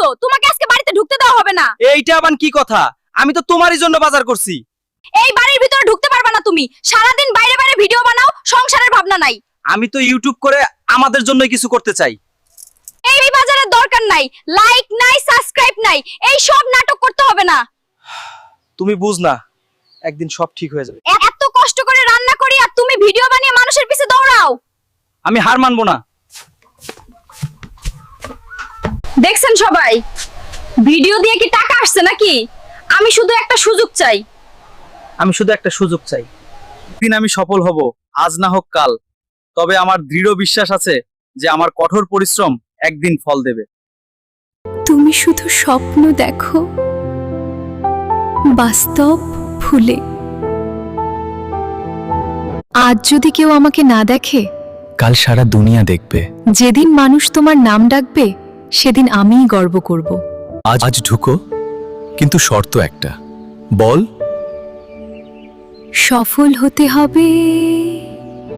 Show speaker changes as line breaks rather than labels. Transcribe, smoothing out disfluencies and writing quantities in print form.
তোমাকে আজকে বাড়িতে ঢুকতে দেওয়া হবে না।
এইটা আবার কি কথা? আমি তো তোমারই জন্য বাজার করছি।
এই বাড়ির ভিতরে ঢুকতে পারবে না তুমি। সারাদিন বাইরে বাইরে ভিডিও বানাও, সংসারের ভাবনা নাই।
আমি তো ইউটিউব করে আমাদের জন্য কিছু করতে চাই।
এই বাজারের দরকার নাই, লাইক নাই, সাবস্ক্রাইব নাই, এই সব নাটক করতে হবে না।
তুমি বুঝ না, একদিন সব ঠিক হয়ে যাবে।
এত কষ্ট করে রান্না করি আর তুমি ভিডিও বানিয়ে মানুষের পিছে দৌড়াও।
আমি হার মানবো না।
দেখছেন সবাই, ভিডিও দিয়ে কি টাকা আসছে নাকি? আমি শুধু একটা সুযোগ চাই।
আমি শুধু একটা সুযোগ চাই। একদিন আমি সফল হব, আজ না হোক কাল। তবে আমার দৃঢ় বিশ্বাস আছে যে আমার কঠোর পরিশ্রম একদিন ফল দেবে।
তুমি শুধু স্বপ্ন দেখো, বাস্তব ভুলে। আজ যদি কেউ আমাকে না দেখে,
কাল সারা দুনিয়া দেখবে।
যেদিন মানুষ তোমার নাম ডাকবে, সেদিন আমিই গর্ব করব।
আজ ঢুকো, কিন্তু শর্ত একটা। বল।
সফল হতে হবে